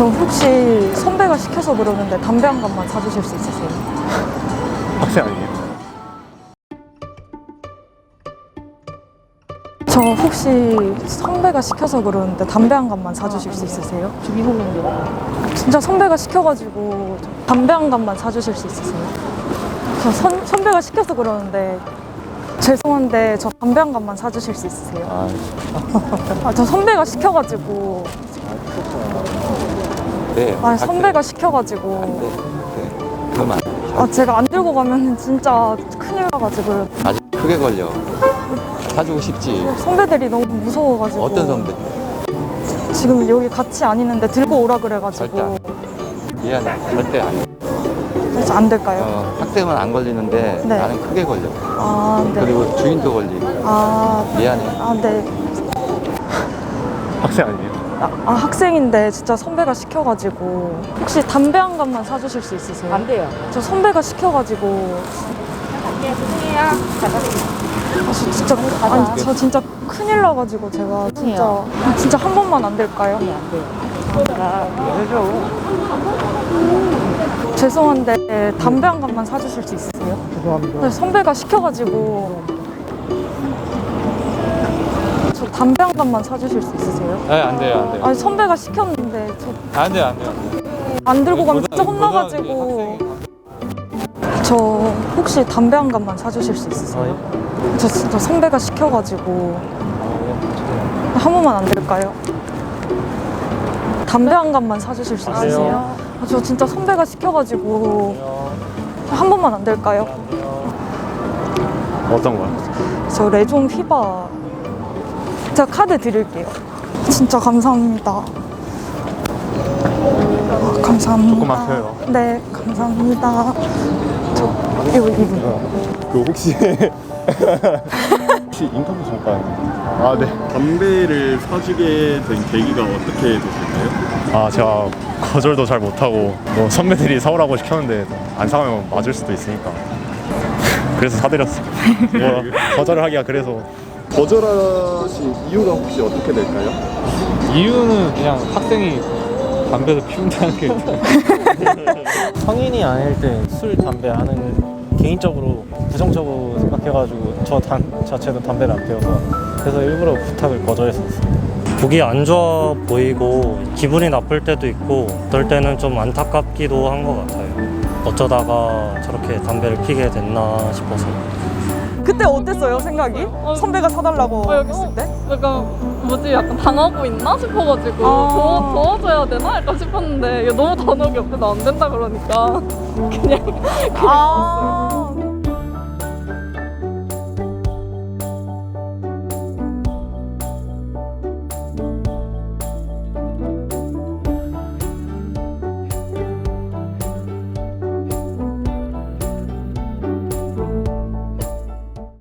저 혹시 선배가 시켜서 그러는데 담배 한 갑만 사주실 수 있으세요? 학생 아니에요? 저 혹시 선배가 시켜서 그러는데 담배 한 갑만 사주실 수 있으세요? 저 미국인데. 진짜 선배가 시켜가지고 담배 한 갑만 사주실 수 있으세요? 저 선배가 시켜서 그러는데 죄송한데 저 담배 한 갑만 사주실 수 있으세요? 저 선배가 시켜가지고 네. 선배가 시켜가지고 네. 그러면 제가 안 들고 가면 진짜 큰일 나가지고요. 아주 크게 걸려. 사주고 싶지. 선배들이 너무 무서워가지고. 어떤 선배? 지금 여기 같이 안 있는데 들고 오라 절대 그래가지고. 안 돼. 미안해. 절대 안 돼. 그래서 안 될까요? 학생은 안 걸리는데 네. 나는 크게 걸려. 네. 그리고 주인도 걸리고. 미안해. 네. 학생 아니에요? 학생인데 진짜 선배가 시켜가지고 혹시 담배 한 갑만 사주실 수 있으세요? 안 돼요. 저 선배가 시켜가지고 네, 죄송해요. 저 진짜 큰일 나가지고 제가 진짜 한 번만 안 될까요? 네, 안 돼요. 해줘. 죄송한데 담배 한 갑만 사주실 수 있으세요? 죄송합니다. 선배가 시켜가지고 저 담배 한 갑만 사주실 수 있으세요? 네, 안 돼요, 안 돼요. 선배가 시켰는데 저 안 돼요, 안 돼요. 안 들고 가면 진짜 혼나가지고. 저 혹시 담배 한 갑만 사주실 수 있으세요? 저 진짜 선배가 시켜가지고 한 번만 안 될까요? 담배 한 갑만 사주실 수 있으세요? 저 진짜 선배가 시켜가지고 한 번만 안 될까요? 어떤 거야? 저 레종 휘바 제가 카드 드릴게요. 진짜 감사합니다. 감사합니다. 조금만 펴요. 네, 감사합니다. 이거 그 혹시 인터뷰 잠깐. 네. 담배를 사주게 된 계기가 어떻게 되셨나요? 제가 거절도 잘 못하고 뭐 선배들이 사오라고 시켰는데 안 사가면 맞을 수도 있으니까 그래서 사드렸어요. 뭐 거절을 하기가 그래서. 거절하신 이유가 혹시 어떻게 될까요? 이유는 그냥 학생이 담배를 피운다는 게 성인이 아닐 때 술, 담배 하는 개인적으로 부정적으로 생각해가지고 저 자체도 담배를 안 피워서 그래서 일부러 부탁을 거절했었어요. 보기 안 좋아 보이고 기분이 나쁠 때도 있고 어떨 때는 좀 안타깝기도 한 것 같아요. 어쩌다가 저렇게 담배를 피게 됐나 싶어서. 그때 어땠어요, 생각이? 선배가 사달라고 했을 때? 약간 뭐지? 약간 당하고 있나 싶어가지고 도와줘야 되나? 약간 싶었는데 이게 너무 단호하게 옆에서 안 된다 그러니까 그냥